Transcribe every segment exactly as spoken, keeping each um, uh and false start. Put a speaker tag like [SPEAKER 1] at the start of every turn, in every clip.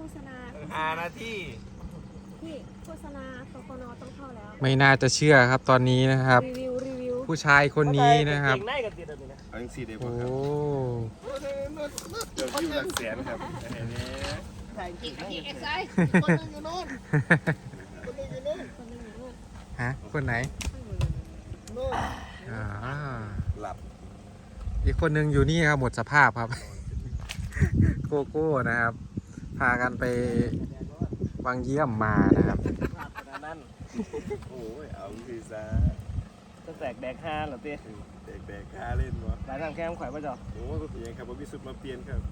[SPEAKER 1] ษณา
[SPEAKER 2] อานาที่
[SPEAKER 1] พี่โฆษณาปปนต้องเข้าแล้ว
[SPEAKER 3] ไม่น่าจะเชื่อครับตอนนี้นะครับ
[SPEAKER 1] รีวิวรีวิว
[SPEAKER 3] ผู้ชายคนนี้นะครับ
[SPEAKER 2] เก่งได้กันติดแบบนี้นะเอาอย่างสี่เดียว
[SPEAKER 3] โอ้
[SPEAKER 2] ครับเดี๋ยววิวหลักแสนครับอันนี้ถ่ายจริงจริงเอ็กซ์ไซส์คนนึงอยู่นู้นคนนึงอยู่นู้น
[SPEAKER 1] คนหนึงอยู่นู่น
[SPEAKER 3] ฮะคนไหน
[SPEAKER 2] นู้น
[SPEAKER 3] อ่า
[SPEAKER 2] หลับ
[SPEAKER 3] อีกคนนึงอยู่นี่ครับหมดสภาพครับ โกโก้นะครับ พากันไปวังเยี่ยมมานะครับ
[SPEAKER 2] นั่นโอ้ยเอาคือซะจะแตกแดกห้าเหรอเต้แตกแดกห้าเล่นวะหลายทางแคมข่อยป่ะจ๊ะโอ้ยเป็นยังครับว่าพิสุทธิ์มาเปลี่ยนครับ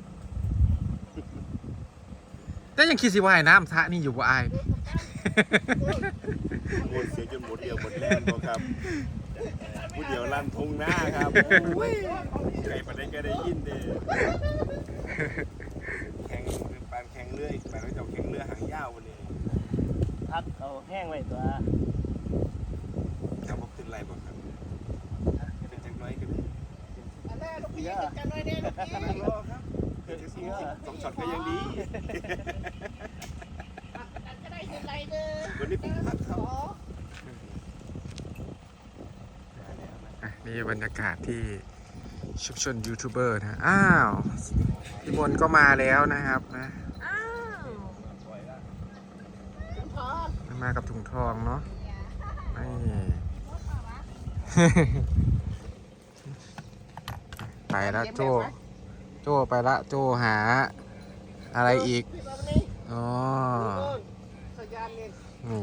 [SPEAKER 3] แต่ยังคิดสิว่าไอ้น้ำทะนี่อยู่บ่อาย
[SPEAKER 2] โอ้ยเสียจนหมดเดียวหมดแรงบ่ครับผู้เดียวลั่นทงหน้าครับโอ้ยใครประเด็นก็ได้ยินเด้แข่งปานแข่งเรือปานเราจะแข่งเรือหางยาววันนี้พักเอาแห้งไว้ตัวจะบอกขึ้นไรบ่ครับเป็นจังน้อยกันอันแรกลูกพี่จังน้อยแน่ลูกพี่รอครับสองช็อตก็ยังดีจะได้ขึ้นไรเด้อวันนี้ผมพักเขา
[SPEAKER 3] นี่บรรยากาศที่ชุมชนยูทูบเบอร์นะ อ้าวพี่มนก็มาแล้วนะครับนะ
[SPEAKER 1] อ้าว
[SPEAKER 3] มากับถุงทองเนาะนี่ ไปละโจโจไปละโจหาอะไรอีก อ๋อนี่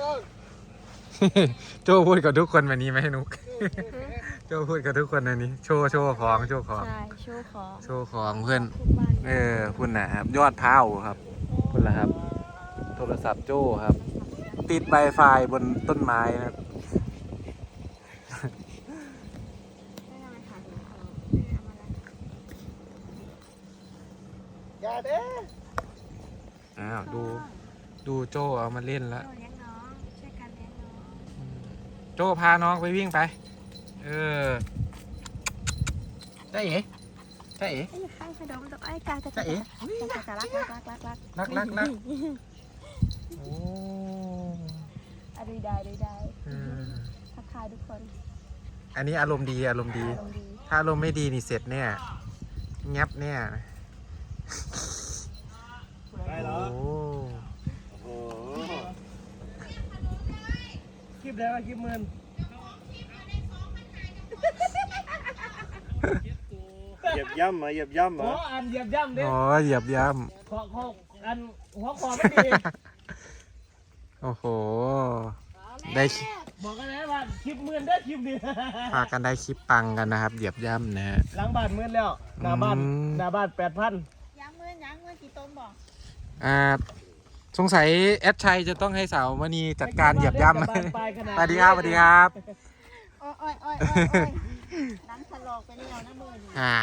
[SPEAKER 3] โจพูดกับทุกคนแบบนี้ไหมนุก โจพูดกับทุกคนแบบนี้ โชว์โชว์ของโชว์ของ
[SPEAKER 1] ใช่โชว์ของ
[SPEAKER 3] โชว์ของเพื่อน
[SPEAKER 1] ทุกบ้าน
[SPEAKER 3] เออคุณนะครับยอดเท้าครับคุณละครับ โทรศัพท์โจ้ครับ ติดไวไฟบนต้นไม้นะครับ
[SPEAKER 2] อย่าเด้อ
[SPEAKER 3] อ้าวดูดูโจ้เอามาเล่นแล้ว
[SPEAKER 1] เลี้ยงน้องช่วยกันเลี้ยงน้อง
[SPEAKER 3] โจ้พาน้องไปวิ่งไป เออได้เอ๋ได้เอ๋
[SPEAKER 1] ไอ้ไข่ขนมตัวไอ้กาจะ
[SPEAKER 3] จะเอ๋
[SPEAKER 1] จะจะรักรักรักรักรัก
[SPEAKER 3] รักรักรักโอ้
[SPEAKER 1] อะดูได้ดูได้
[SPEAKER 3] เออ
[SPEAKER 1] ทักทายทุกคน
[SPEAKER 3] อันนี้อารมณ์ดีอารมณ์ดี
[SPEAKER 1] อารมณ์ดี
[SPEAKER 3] ถ้าอารมณ์ไม่ดีนี่เสร็จเนี่ยงับเนี่ย
[SPEAKER 2] ได้เหรอ
[SPEAKER 3] โอ้
[SPEAKER 2] โอ้โหคลิปได้ป่ะคลิปหมื่นเหยียบย่ำมาเหยียบย่ำ
[SPEAKER 4] หั
[SPEAKER 2] มาว
[SPEAKER 4] อันเหยียบย่ำเด้
[SPEAKER 3] โหเหยียบย่
[SPEAKER 4] ขอขออันหัวคอไม่ดี
[SPEAKER 3] ำโอ้โห ได้คลิป
[SPEAKER 4] บอกกันนะว่าคลิปหมื่นได้อคลิปนี้
[SPEAKER 3] พากันได้คลิปปังกันนะครับ เหยียบย่ำนะฮะ
[SPEAKER 4] หลังบ้านหมื่นแล้วหน้าบ้าน
[SPEAKER 3] อืม
[SPEAKER 4] หน้าบ้านแปดพัน
[SPEAKER 1] ยังเมื่อยังเมื่อกี่ต้นบอก
[SPEAKER 3] อ่าสงสัยแอดชัยจะต้องให้สาวมณีจัดการเหยียบย่ำ สวัสดีครับสวัสดีครับ
[SPEAKER 1] อ้อยอ้อยอ้อยอ้อยนังสลอกไปแล้วนะมือนี่
[SPEAKER 3] อ่า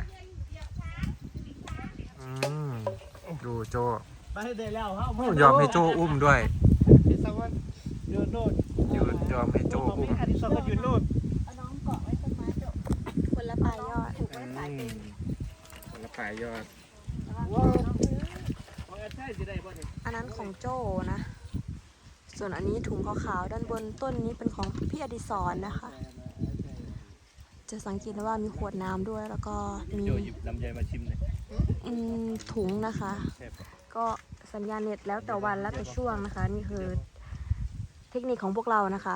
[SPEAKER 3] อืมดูโจ
[SPEAKER 4] ไปได้แล้วครับ
[SPEAKER 3] โอ้ยอมให้โจอุ้มด้วย
[SPEAKER 4] พี่สวัสดิ์ยืนโน่น
[SPEAKER 3] ยืนยอมให้โจ
[SPEAKER 4] ผม
[SPEAKER 3] อุ้
[SPEAKER 4] มี
[SPEAKER 3] ม
[SPEAKER 4] อดิศรก็ยืนโน่น
[SPEAKER 1] เอาน้องเกาะไว้ต้นไม้จบคนละปลายยอดถูกไว้สายเป็น
[SPEAKER 3] คนละปลายยอด
[SPEAKER 4] ว้าวของแอดใช่สิได้ป่ะเนี่ย
[SPEAKER 1] อันนั้นของโจนะ ส่วนอันนี้ถุงขาวๆด้านบนต้นนี้เป็นของพี่อดิศรนะคะ จะสังเกตได้ว่ามีขวดน้ำด้วยแล้วก็มี
[SPEAKER 2] โยหยิบลำไยมาชิมเลย
[SPEAKER 1] อืมถุงนะคะ ก็สัญญาณเน็ตแล้วแต่วันแล้วแต่ช่วงนะคะ นี่คือเทคนิคของพวกเรานะคะ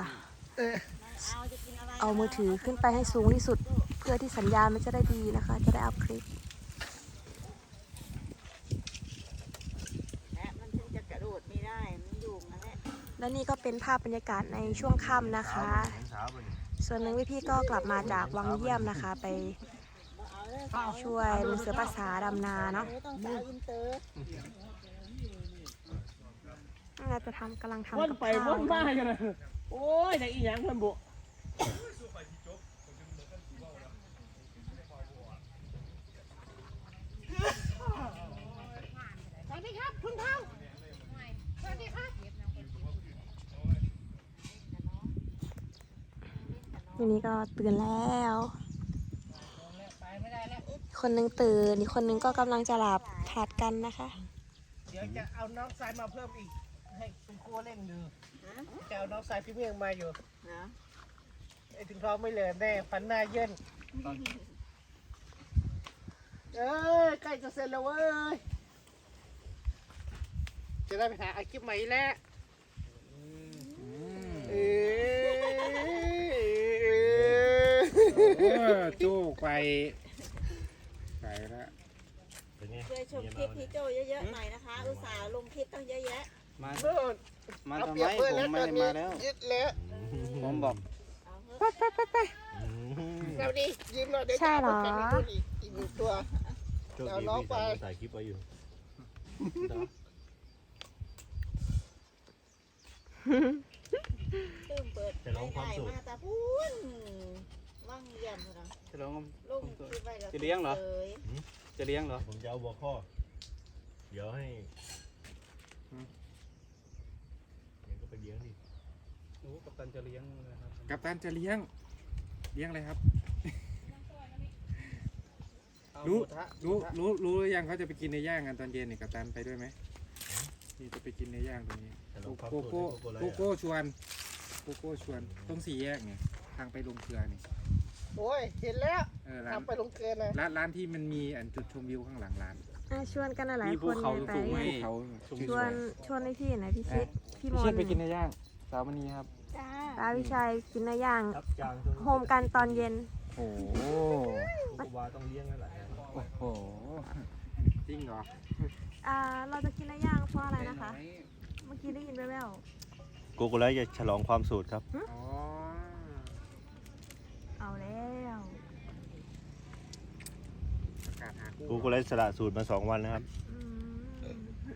[SPEAKER 1] เอามือถือขึ้นไปให้สูงที่สุด เพื่อที่สัญญาณมันจะได้ดีนะคะ จะได้อัพคลิป
[SPEAKER 5] มันถึงจะกระโดดไม่ได้ มันอยู่นั่นแหละ
[SPEAKER 1] และนี่ก็เป็นภาพบรรยากาศในช่วงค่ำนะคะ ส่วนหนึ่งพี่ๆก็กลับมาจากวังเยี่ยมนะคะ ไปช่วยลูกเสือภาษาดำนาเนาะ
[SPEAKER 5] ต้องสาวอินเตอร์
[SPEAKER 1] น่าจะทำกำลังทำ
[SPEAKER 4] วน
[SPEAKER 1] กับ
[SPEAKER 4] ไป
[SPEAKER 1] ข้าว
[SPEAKER 4] วนมากันนะโอ้ยแต่อีหยังเพิ่นบุ
[SPEAKER 5] สวัสดีครับคุณเท่าสวัสดีครับ
[SPEAKER 1] วันนี้ก็ตื่นแล้ว คนหนึงตื่นอีกคนหนึงก็กำลังจะหลับผลัดกันนะคะ
[SPEAKER 4] เดี๋ยวจะเอาน้องทรายมาเพิ่มอีก ให้คุณครูเล่นดูจะเอาน้องทรายพี่เมียงมาอยู่ไอ้ถึงท้องไม่เหลือแน่ฟันหน้าเยินเอ้ยใกล้จะเสร็จแล้วเว้ยจะได้ไปหาอาชีพใหม่แล้วเอ้ย
[SPEAKER 3] จู้ไปไปแล้ว
[SPEAKER 5] ช่วยชมคลิปพี่โจเยอะๆหน่อยนะคะ อุตส่าห์ลงคลิปต้องเยอะแยะ
[SPEAKER 6] มา
[SPEAKER 4] เมื่อ
[SPEAKER 6] มาทำไมผมไม่ได้มาแล้ว
[SPEAKER 4] ยึดแล้ว
[SPEAKER 6] ผมบอก
[SPEAKER 5] เอาเถอะ
[SPEAKER 1] ไปไปไปไป
[SPEAKER 4] เราดิยิ้มเราได้
[SPEAKER 1] ใช่เหรอ
[SPEAKER 4] แข่งกันอีกอีกหนึ่งตัว
[SPEAKER 2] โชคดีพี่ถ่ายคลิปไว้อยู่
[SPEAKER 5] ตื้มเปิด
[SPEAKER 2] จะร้องความสุข
[SPEAKER 5] มาแต่พูนว่างเยี่ยมเลยนะ
[SPEAKER 6] จะร้อง
[SPEAKER 5] ลงคลิปไว้แล้ว
[SPEAKER 6] จะเลี้ยงเหรอ
[SPEAKER 5] เลย
[SPEAKER 6] จะเลี้ยงเหรอ
[SPEAKER 2] ผมจะเอาบัวข้อ เดี๋ยวให้เดี๋ยวก็ไปเลี้ยงดิ
[SPEAKER 6] โอ้กัปตันจะเลี้ยงนะครับ
[SPEAKER 3] กัปตันจะเลี้ยงเลี้ยงอะไรครับ
[SPEAKER 6] เอา
[SPEAKER 3] รู้
[SPEAKER 6] หมูทะ
[SPEAKER 3] รู้รู้รู้หรือยังเขาจะไปกินในย่างกันตอนเย็นนี่กัปตันไปด้วยไหมนี่จะไปกินในย่างตรงนี้
[SPEAKER 2] จะลองความ
[SPEAKER 3] โก
[SPEAKER 2] สุข
[SPEAKER 3] โก้
[SPEAKER 2] ให้โกโก้ไล
[SPEAKER 3] โก
[SPEAKER 2] ท์
[SPEAKER 3] โก้ชวนโกโก้ชวนตรงสี่แยกเนี่ยทางไปลงเกลือนี่
[SPEAKER 4] โอ้ยเห็นแล้ว
[SPEAKER 3] เออร้าน
[SPEAKER 4] ทำไปลงเกินนะ
[SPEAKER 3] ร้านร้านที่มันมีอันจุดชมวิวข้างหลังร้าน
[SPEAKER 1] อ่ะชวนกันหลาย
[SPEAKER 3] มี
[SPEAKER 1] ๆค
[SPEAKER 3] ภู
[SPEAKER 1] น
[SPEAKER 3] เขา
[SPEAKER 1] ไป
[SPEAKER 3] สูงๆภูเขา
[SPEAKER 1] ชวนชวนให้พี่หน่อยพี่ชิดพี่ม
[SPEAKER 3] พี่
[SPEAKER 1] น
[SPEAKER 3] ชิดไปกินในย่างสาวมณีครับ
[SPEAKER 5] จ้า
[SPEAKER 1] ตาวิชัยกินเนื้อย่าง
[SPEAKER 2] ครับจาง
[SPEAKER 1] โฮมกันตอนเย็น
[SPEAKER 3] โอ้โห
[SPEAKER 2] โกโกวาต้องเลี้ยงนั่นแหละ
[SPEAKER 3] โอ้โหจริงเหรอ
[SPEAKER 1] อ่าเราจะกินเนื้อย่างเพราะอะไรนะคะ เมื่อกี้ได้ยินแว่ว
[SPEAKER 2] โกโกไลท์จะฉลองความสูตรครับ
[SPEAKER 3] อ๋อ
[SPEAKER 1] ๆเอาแล้ว
[SPEAKER 3] ประกาศหาคู่
[SPEAKER 2] โกโกไลท์สละสูตรมาสองวันแล้วครับ
[SPEAKER 1] อืม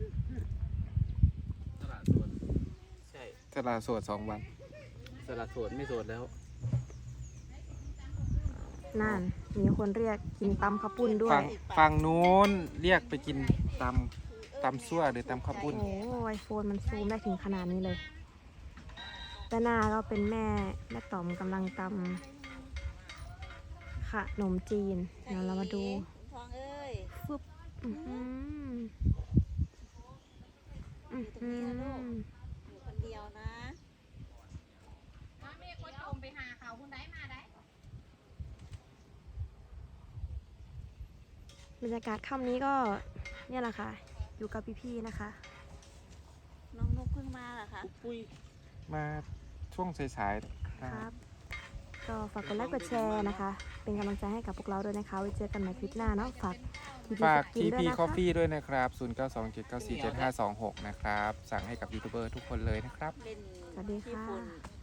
[SPEAKER 6] สละโสดใช่
[SPEAKER 3] ตลาดสดสองวัน
[SPEAKER 6] สละโสดไม่โสดแล้ว
[SPEAKER 1] นั่นมีคนเรียกกินตำข้าวปุ้นด้ว
[SPEAKER 3] ฝั่
[SPEAKER 1] ย
[SPEAKER 3] งฝั่งนู้นเรียกไปกินตำตำซั่วหรือตำข้าวปุ้น
[SPEAKER 1] โอ้ไอโฟนมันซูมได้ถึงขนาดนี้เลยด้านหน้าก็เป็นแม่แม่ต่อมกำลังตำขนมจีนเดี๋ยวเรามาดู
[SPEAKER 5] ทองเอ้ย
[SPEAKER 1] ฟึบอื้อหืออื้อหื
[SPEAKER 5] อยู่คนเดียวนะ
[SPEAKER 1] บรรยากาศค่ำนี้ก็เนี่ยแหละค่ะ อยู่กับพี่ๆนะคะ
[SPEAKER 5] น้องนุกเพิ่งมาเหรอคะ
[SPEAKER 6] ปุ้ย
[SPEAKER 3] มาช่วงสายๆนะ
[SPEAKER 1] ค
[SPEAKER 3] ค
[SPEAKER 1] รั
[SPEAKER 3] รั
[SPEAKER 1] บบ ก็ฝากกดไลค์กดแชร์นะคะ เป็นกำลังใจให้กับพวกเราด้วยนะคะไว้เจอกันใหม่คลิปหน้าเนาะฝากทีพี
[SPEAKER 3] ฝาก
[SPEAKER 1] สกิน
[SPEAKER 3] ที
[SPEAKER 1] ด้วย
[SPEAKER 3] พี
[SPEAKER 1] นะ
[SPEAKER 3] คอฟ
[SPEAKER 1] คะ
[SPEAKER 3] ฟี่ด้วยนะครับ ศูนย์ เก้า สอง เจ็ด เก้า สี่ เจ็ด ห้า สอง หก นะครับ สั่งให้กับยูทูบเบอร์ทุกคนเลยนะครับ
[SPEAKER 5] เล่น
[SPEAKER 1] สวัสดี
[SPEAKER 5] ญี่
[SPEAKER 1] ค่ะ
[SPEAKER 5] ปุ่น